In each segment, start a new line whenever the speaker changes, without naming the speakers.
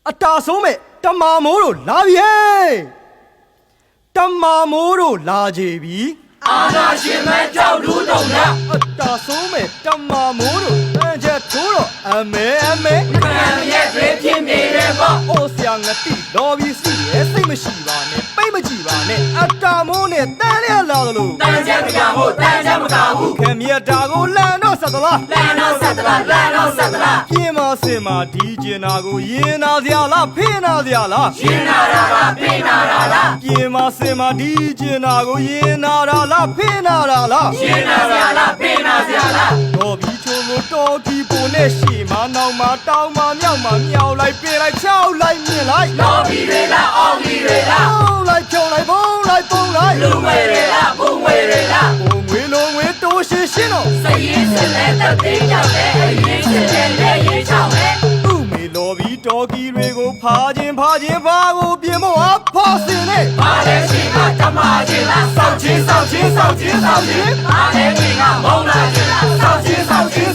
အတာဆုံးမဲ့တမာမိုးတို့လာပြီဟဲ့တမာမိုးတို့လာကြပြီ
အာနာရှင်မဲကြောက်လူတုံလား
အတာဆုံးမဲ့တမာမိုးတို့တန်ချက်ထိုးတော့အမဲ
ခံရဲ့တွေဖြစ်နေတယ်ပေါ့
အိုဆရာငတိလော်ပြီးစီရဲ့စိတ်မရှိပါနဲ့ပိတ်မကြည့်ပါနဲ့အတာမိုးနဲ့တန်လျက်လာသလို
တန်ချက်မကဘူးတန်ချက်မကဘူး
ခင်မြတ်တာကိုလန်တော့ဆက်သလား
လန်တော့ဆက်သလား
ပြင်းမစင်မာဒီကျင်နာကိုရင်နာစရာလားဖိနာစရာလား
ရင်နာတာလားဖိနာတာလား
ပြင်းမစင်မာဒီကျင်နာကိုရင်နာတာလားဖိနာတာလား
ရင်နာစရာလားဖိနာစရာလား
တော်ပြီးချုံကိုတော်ကီပုံနဲ့ရှီမနောက်မှာတောင်းမမြောက်မှာမြောက်လိုက်ပြေးလိုက်ချောက်လိုက်မြင်လိုက်
တော်ပြီးတွေလားအောင်ပြီးတွေလား
လိုက်ဖြုံလိုက်ပုံလိုက်
လူငွေတွေလားဘုံငွေတွေလား
ဘုံငွေလုံးငွေတိုးရှင်းရှင်းတော့
စရင်စလဲတက်သေးကြောက်တယ်အရင်စလဲလည်းရင်ချောင်းပဲ
သူ့မေလော်ပြီးတော်ကီတွေကိုဖာခြင်းဘာကိုပြင်ဖို့အဖော်စင်နဲ့
ဘာလဲရှိကဓမ္မချင်းလားစောက်ချင်းဘာလဲဒီကမုံလာချင်းလားစောက်ချင်း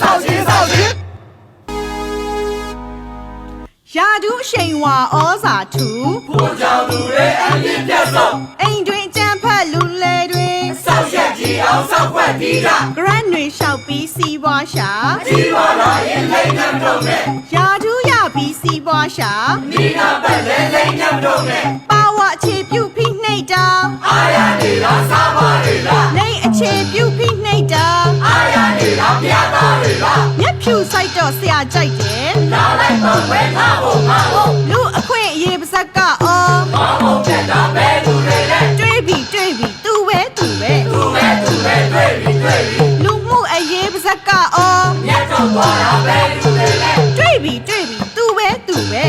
ရာဒူးအရှိန်ဝါဩဇာထူ
ဖို့ကြောင့်သူတွေအပြစ်ပြတ်ဆုံး
အိမ်တွင်ကြံဖက်လူလေတွင်
စောက်ရက်ကြီးအောင်စောက်ွက်ပြီးက
ဂရန်တွေလျှောက်ပြီးစီးပွားရှာ
ကြီးပါလာရင်လိမ့်နှံတော့မယ်
ရာဒူးရပြီးစီးပွားရှာ
မိနာပတ်လဲလိမ့်နှံတော့မယ်
ပါဝအခြေပြုဖိနှိပ်တာ
အာရနေလားစားပါလေလား
လိမ့်အခြေပြုဖိနှိပ်တာ
အာရနေလားပြာသားလေလား
မျက်ဖြူဆိုင်တော့ဆရာကြိုက်တယ်
လာလိုက်ပါဝဲထားဖို့
လူအခွင့်အရေးပါဇက်ကအော်
မောင်မောင်ချက်တာပဲလူတွေနဲ့
တွေးပြီးသူပဲ
တွေ့ပြီ
လူမှုအရေးပါဇက်ကအော်
မြတ်တော်သွားတာပဲလူတွေနဲ့
တွေးပြီးသူပဲ
တွေ့ပြီ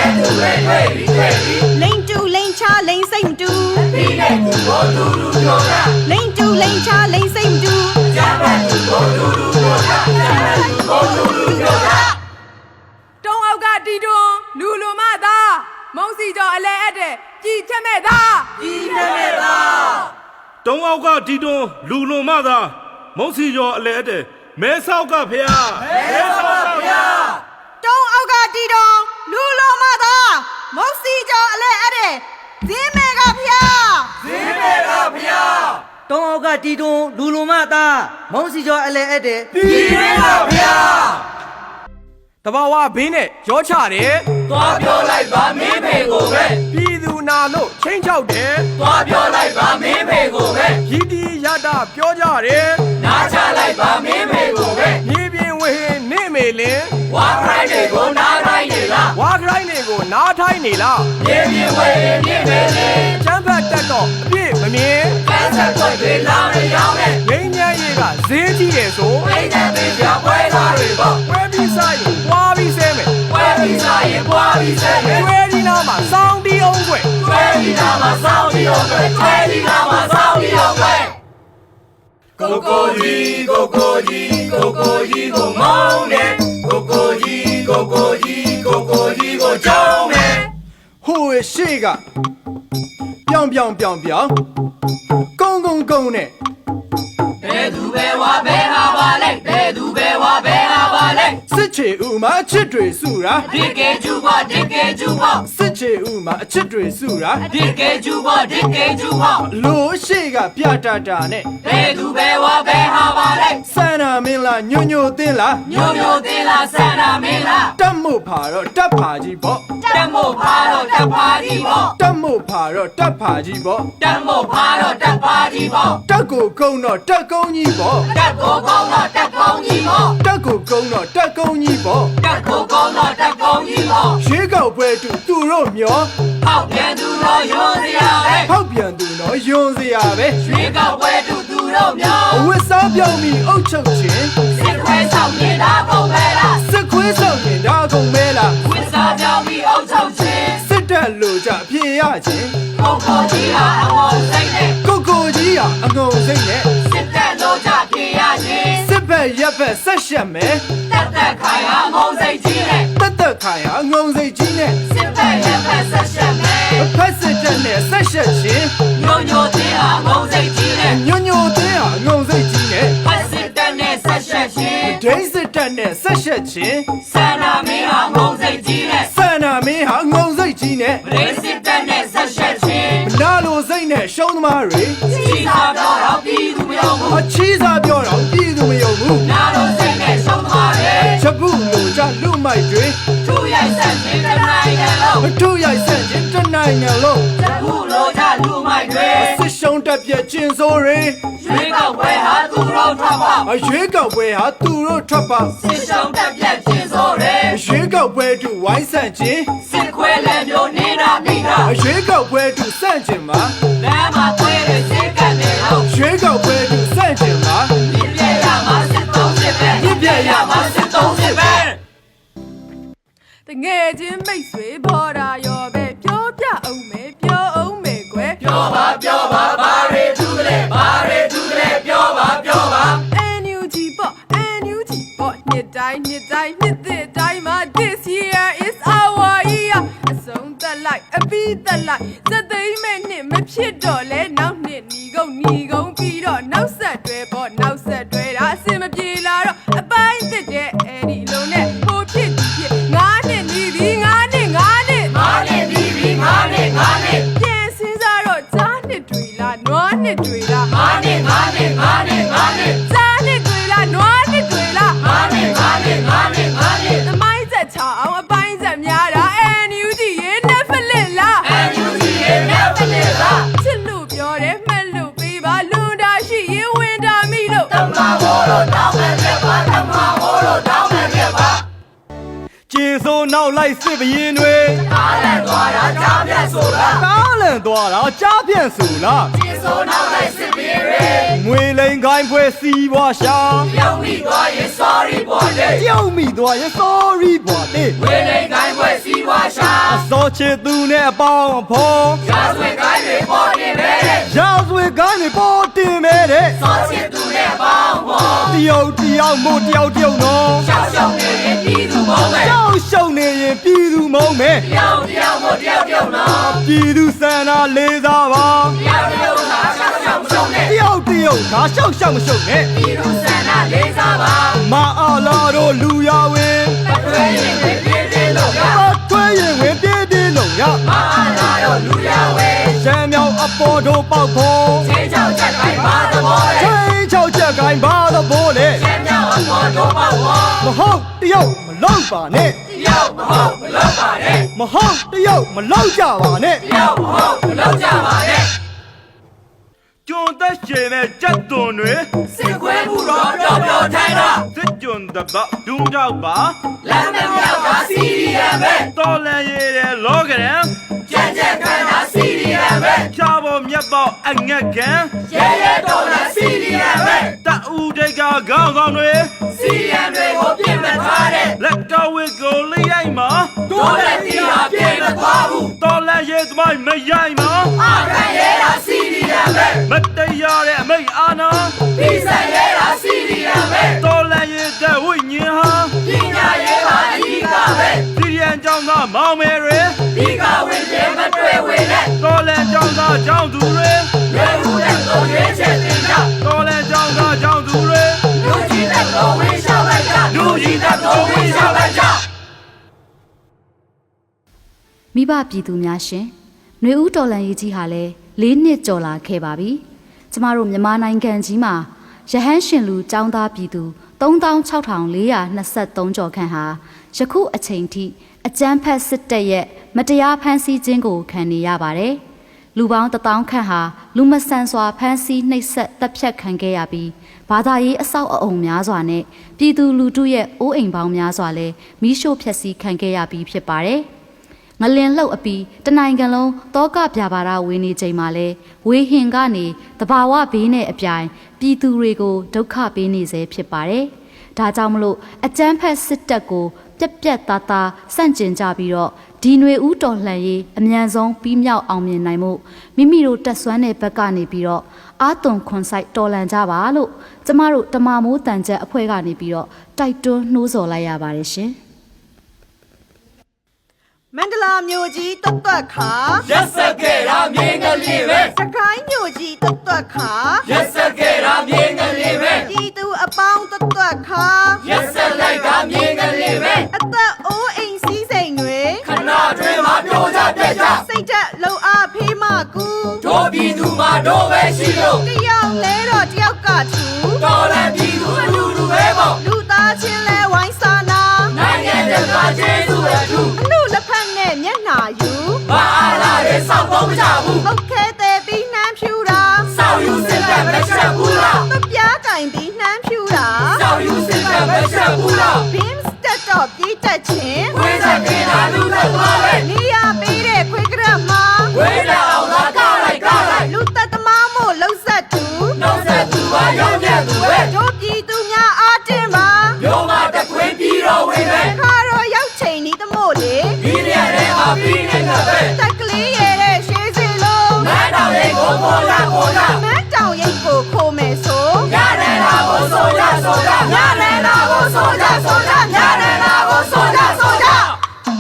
လိန်တူလိန်ချလိန်စိတ်မတူ
ဒီနဲ့သူကိုလူပြောတာ
လိန်တူလိန်ချလိန်စိတ်မတူ
ဂျာပတ်သူကိုလူပြောတာ
တုံးအောက်ကတီတွန်းလူလိုမသားမုံစီကျော်အလဲအပ်တဲ့ကြည်ချက်မဲ့သား
တုံးအောက်ကတီတွန်းလူလိုမသားမုံစီကျော်အလဲအပ်တဲ့မဲဆောက်ကဖျား
တုံးအောက်ကတီတွန်းလူလိုမသားမုံစီကျော်အလဲအပ်တဲ့ဇင်းမဲကဖျား
တုံးအောက်ကတီတွန်းလူလိုမသားမုံစီကျော်အလဲအပ်တဲ့
ပြည်မဲကဖျား
တဘာဝဘေးနဲ့ရောချတယ်
သွားပြောလိုက်ပါမင်းဖေကိုပဲ
ပြည်သူနာလို့ချင်းချောက်တယ်
သွားပြောလိုက်ပါမင်းဖေကိုပဲ
ရည်တီရတာပြောကြတယ်
နားချလိုက်ပါမင်းဖေကိုပဲ
မြေပြင်ဝဟင်းနေမေလင်
ဝါခရိုင်းတွေကိုနားထိုင်းနေလား
ဝါခရိုင်းတွေကိုနားထိုင်းနေလား
မြေပြင်ဝဟင်းနေမေလင်
ချမ်းဖတ်တတ်တော့အပြည့်မမြင်
ကန်းဆက်ွက်တွေလာမရောက်နဲ့
ငိမ့်ညမ်းရေးကဈေးကြီးတယ်ဆို
အိမ်ထဲပေးကြပွဲသားတွေပေါ့
ပွဲပြီးစားရင်ပွားပြီးဆဲမယ်
ပွဲပြီးစားရင်ပွားပြီးဆဲမယ်
ကျွဲဒီနာမှာစောင်းတီးအောင်ွယ်
ကျွဲဒီနာမှာစောင်းတီးအောင်ွယ်ကိုကြီးကိုမောင်းတယ်ကိုကြီးကိုကြောင်းတယ်
ဟိုးရှေ့ကပြောင်းကုန်းနဲ့
ဘယ်သူပဲဝါဘယ်ဟာပါလဲ
စစ်ချေဥမှာအချစ်တွေစုတာ
ဒီကေကျူပါ
စစ်ချေဥမှာအချစ်တွေစုတာ
ဒီကေကျူပါ
လို့ရှေ့ကပြတာတာနဲ့
ဘယ်သူပဲဝါဘယ်ဟာပါလဲ
စန္နာမင်းလားညိုတင်းလား
ဆန္ဒမင်းလား
တက်မို့ဖာတော့တက်ဖာကြီးပေါ့
တက်မို့ဖာတော့တက်ဖာကြီးပေါ့
တက်မို့ဖာတော့တက်ဖာကြီးပေါ့တက်ကိုကုန်းတော့တက်ကုန်းကြီးပေါ့
တက်ကိုကုန်းတော့တက်ကုန်းကြီးပေါ့
ရွေးကောက်ပွဲတူသူတို့မျော
ဖောက်ပြန်သူတော့ယွန်းစရာပဲရွေးကောက်ပွဲတူသူတို့မျော
အဝတ်စားပြောင်းပြီးအုတ်ချုပ်ခြင်း
စစ်ခွဲဆောင်နေတာကုန်ပဲလား
ဝတ်စားပြောင်း
ပြီးအုတ်ချုပ်ခြင်း
စစ်တပ်လို့ကြပြေရခြင်း
ကိုကြီးဟာအငုံစိတ်နဲ့စစ်တပ်လို့ကြပြေရခြင်း
စစ်ဘက်ရပ်ဘက်ဆက်ရှက်မယ်
တက်ခိုင်ဟာငုံစိတ်ကြီးနဲ့
စစ်ဘက်
ရပ်ဘက်ဆက်ရှက်မယ်
ဖက်စစ်တပ်နဲ့ဆက်ရှက်ခြင်း
ညိုတင်းဟာငုံစိတ်ကြီးနဲ့ဖက်စစ်တပ်နဲ့ဆက်ရှက်ခြင်း
ဒိန်းစစ်တပ်နဲ့ဆက်ရှက်ခြင်း
ဆန္ဒမင်းဟာငုံစိတ်ကြီးနဲ့
ဆန္ဒမင်းဟာငုံနဲ့
မရင်းစစ်တပ်နဲ့ဆက်ဆက်ချင်း
မနာလိုစိတ်နဲ့ရှုံးသမားတွေ
ကြီးစားပြောတော့ပြည်သူမယုံဘူး
အချီးစားပြောတော့ပြည်သူမယုံဘူး
နာလို့စိတ်နဲ့ရှုံးသွားတယ်
ချက်ပုလိုကြလူမိုက်တွေ
သူ့ရိုက်ဆက်ခြင်းတစ်နိုင်ငံလုံး
မထုရိုက်ဆန့်ခြင်းတစ်နိုင်ငံလုံး
တခုလိုချလူမိုက်တွေ
စစ်ရှုံးတက်ပြက်ကျင်စိုးတွေ
ရွေးကောက်ပွဲဟာသူတို့ထွက်ပါ
အရွေးကောက်ပွဲဟာသူတို့ထွက်ပါ
စစ်ရှုံးတက်ပြက်ခြင်းစိုးတယ်
အရွေးကောက်ပွဲတူဝိုင်းဆန့်ခြင်း
စစ်ခွဲလည်းမျိုးနေတာနေတာ
အရွေးကောက်ပွဲတူဆန့်ခြင်းမှာ
လမ်းမှာသွေးတွေစိတ်ကနေတော့
ရွေးကောက်ပွဲတူဆန့်ခြင်းမှာ
ပြည့်ပြည့်ရမှာစစ်သုံးစစ်ပဲပြည့်ပြည့်ရမှာစစ်သုံးစစ်ပဲ
တငယ်ချင်းမိတ်ဆွေဘော်တာရောပဲပြောပြအောင်မယ်ပြောအောင်မယ်ကွယ်
ပြောပါဘာတွေသူကလေးဘာတွေသူကလေးပြောပါ
NUG ပေါ့ NUG ပေါ့နှစ်တိုင်းနှစ်သစ်တိုင်းမှာ this year is our year အဆုံးသက်လိုက်အပြီးသက်လိုက်စက်သိမ်းမဲ့နှစ်မဖြစ်တော့လဲနောက်နှစ်ညီကုန်ပြီးတော့နောက်ဆက်တွဲပေါ့နောက်ဆက်တွဲတာအစင်မပြေလာတော့အပိုင်းသစ်တဲ့အဲ့ဒီလုံးနဲ့ဟိုဖြစ်ငါးနှစ်နီးပြီငါးနှစ်
ငါနဲ့ပြီးပြီငါနဲ့
ပြန်စင်းစားတော့ကြားနှစ်တွေလားနွားနှစ်တွေလား
ငါနဲ့
ကြားနှစ်တွေလားနွားနှစ်တွေလား
ငါနဲ့
သမိုင်းဆက်ချအောင်အပိုင်းဆက်များတာ NUG ရဲ့ Netflix လား
NUG ရဲ့ Netflix လား
ချစ်လို့ပြောတယ်မှတ်လို့ပေးပါလွန်တာရှိရင်ဝင်တာမိလို့
တမဟောလို့တောင်းမယ်ပြပါတမဟောလို့တောင်းမယ်ပြပါ
ကျင်စိုးနောက်လိုက်စစ်ဘရင်တွေ
အားလည်းသွားတာကြားပြတ်ဆိုလား
ကားလန်သွားတာကြားပြန့်စုလား
ဒီဆိုနောက်လိုက်စစ်ပြေးရ
ငွေလိန်ခိုင်းဖွဲစီးပွားရှာ
ပြုံးမိသွားရင် sorry ပေါ်လေ
ပြုံးမိသွားရင် sorry ဘွာတေး
ဝေလိန်ကိုင်းပွဲစီးပွားရှာ
အစောချစ်သူနဲ့အပေါင်းအဖော်
ရာဇဝတ်ကိုင်းတွေပေါ်နေပဲ
ရာဇဝတ်ကိုင်းတွေပေါ်တင်မဲတဲ့
စောချစ်သူနဲ့ပေါင်းပေါ်
တယောက်မို့တယောက်နော်
ရှောက်ရှောက်နေရင်ပြည်သူမုံပဲ
ကြောက်ရှုံနေရင်ပြည်သူမုံမဲ
တယောက်မို့တယောက်နော်
ပြည်သူစန္ဒလေးစားပါ
တယောက်သာရှောက်ရှောက်မရှုံးနဲ့
တယောက်ဒါရှောက်ရှောက်မရှုံနဲ့
ပြည်သူစန္ဒလေးစားပါ
မအားလာတို့လူရဝင်
အထွေးရင်တွေပြည့်ပြည့်လို့ရ
မထွေးရင်ဝင်ပြေးပြေးလုံးရ
မအားလာတော့လူရဝဲ
ရှမ်းမြောင်အပေါ်တို့ပေါက်ဖို့
ချင်းချောက်ချက်တိုင်းပါသဘောလေ
ချင်းချောက်ချက်ကိုင်းပါတော့ဘိုးလေ
ကျမ်းမြောက်အပေါ်တော့ပေါ့ဝါ
မဟုတ်တယောက်မလောက်ပါနဲ့
တယောက်မဟုတ်မလုပ်ပါနဲ့
မဟုတ်တယောက်မလောက်ကြပါနဲ့
တယောက်မဟုတ်မလုပ်ကြပါနဲ့
ကျွန်းသက်ရှင်တဲ့ကြက်သွန်တွေ
စစ်ခွဲမှုတော့ပျော်ပျော်ထိုင်တော့
စစ်ကျွန်းတပတ်ဒုံကြောက်ပါ
လမ်းမမြောက်ကစီရီယံပဲ
တော်လန်ရည်တဲ့လောကရန်
ကြက်ကြက်ခန်းတာစီရီယံပဲ
ချာပေါ်မြတ်ပေါ်အငက်ကန်
ရဲရဲတော်လာစီရီယံပဲ
တအူတိတ်ကခေါင်းဆောင်တွေ
စီရီယံတွေကိုပြင်မထားတဲ့
လက်ကဝစ်ကိုလိရိုက်မှာ
တို့လက်တီဟာပြင်မသွားဘူး
တော်လန်ရည်သမိုင်းမရိုက်မှာ
အခန့်ရဲတာစီရီယံပဲ
မတရားတဲ့အမိတ်အာနာ
ပြီးဆက်ရဲတာစီရီယံပဲ
တော်လန်ရည်တဲ့ဝိညာဉ်ဟာ
ပညာရေးပါအဓိကပဲ
စီရီယန်ကျောင်းသားမောင်မယ်တွေ
ဒီကဝင်ပြမတွေ့ဝင်နဲ့
တော်လန်ကျောင်းသားကျောင်းသူတွေ
ရွေးမှုတဲ့ကိုရွေးချက်တင်ကြ
တော်လန်ကျောင်းသားကျောင်းသူတွေ
လူကြီးတဲ့ကိုဝင်ရှောက်လိုက်ကြလူကြီးတဲ့ကိုဝင်ရှောက်လိုက်ကြ
မိဘပြည်သူများရှင်ຫນွေဦးတော်လန်ရေးကြီးဟာလည်း၄နှစ်ကျော်လာခဲ့ပါပြီကျမတို့မြန်မာနိုင်ငံကြီးမှာရဟန်းရှင်လူចောင်းသားပြည်သူ36,423ကျော်ခန့်ဟာယခုအချိန်ထိအကြမ်းဖက်စစ်တပ်ရဲ့မတရားဖမ်းဆီးခြင်းကိုခံနေရပါတယ်လူပေါင်း1000ခန့်ဟာလူမဆန်စွာဖမ်းဆီးနှိပ်စက်တပ်ဖြတ်ခံခဲ့ရပြီးဘာသာရေးအဆောက်အအုံများစွာနဲ့ပြည်သူလူထုရဲ့အိုးအိမ်ပေါင်းများစွာလည်းမိရှို့ဖျက်ဆီးခံခဲ့ရပြီးဖြစ်ပါတယ်ငလင်လှုပ်အပြီးတနိုင်ငံလုံးတောကပြပါရဝေနေချိန်မှာလဲဝေဟင်ကနေတဘာဝဘေးနဲ့အပြိုင်ပြည်သူတွေကိုဒုက္ခပေးနေစေဖြစ်ပါတယ်။ဒါကြောင့်မလို့အကြမ်းဖက်စစ်တပ်ကိုပြက်ပြက်သားသားစန့်ကျင်ကြပြီးတော့ဒီຫນွေဦးတော်လှန်ရေးအမြန်ဆုံးပြီးမြောက်အောင်မြင်နိုင်မှုမိမိတို့တက်ဆွမ်းတဲ့ဘက်ကနေပြီးတော့အာသွန်ခွန်ဆိုင်တော်လှန်ကြပါလို့ကျမတို့တမမိုးတန်ချက်အဖွဲ့ကနေပြီးတော့တိုက်တွန်းနှိုးဆော်လိုက်ရပါတယ်ရှင်။
မန္တလာမြို့ကြီးတွတ်တွတ်ခါ
ရက်စက်ခဲ့တာမြင်းကလေးပဲ
စကိုင်းမြို့ကြီးတွတ်တွတ်ခါ
ရက်စက်ခဲ့တာမြင်းကလေးပဲ
ပြည်သူအပေါင်းတွတ်တွတ်ခါ
ရက်စက်လိုက်တာမြင်းကလေးပဲ
အသက်အိုးအိမ်စည်းစိမ်တွေ
ခဏတွင်မှာပြိုကြပြက်ကြ
ချက်လုံအားဖေးမကူ
တို့ပြည်သူမှာတို့ပဲရှိလို့
တယောက်လဲတော့တယောက်ကထူ
တော်လည်းပြည်သူအလူလူပဲပေါ့
လူသားချင်းလဲဝိုင်းစာနာ
နိုင်ငံတကာကျေးဇူးအထူး
အမှုလက်ဖက်နဲ့မျက်နှာယူ
ဘာအားလာရဲစောက်ဖို့မကြဘူး
ဟုတ်ခဲတဲ့ပြီးနှမ်းဖြူတာ
စောက်ယူစစ်ကမချက်ဘူးလား
မပြားကင်ပြီးနှမ်းဖြူတာ
စောက်ယူစစ်ကမချက်ဘူးလား
ဘင်းစတက်တော့ပြေးတက်ချင်း
ဝိဇ္ဇာကင်းတာလူသက်သွားပဲ
နေရပေးတဲ့ခွေးကရက်မှာ
ဝိဇ္ဇာအောင်သာကားလိုက်ကားလိုက်
လူသက်သမားမို့လှုပ်ဆက်သူ
နှုတ်ဆက်သူပါရောက်မြတ်သူပဲ
တို့ပြည်သူများအားတင်ပါ
မျိုးမတခွေးပြီးတော့ဝင်ပဲ
ခါတော့ရောက်ချိန်ဤသမို့လေ
ဒီနေရာထဲမှာပြီးနေတာပဲ
တက်ကလေးရဲ့ရှေးစီလုံး
မန်းတော်လေးကိုပေါ်လာခေါ်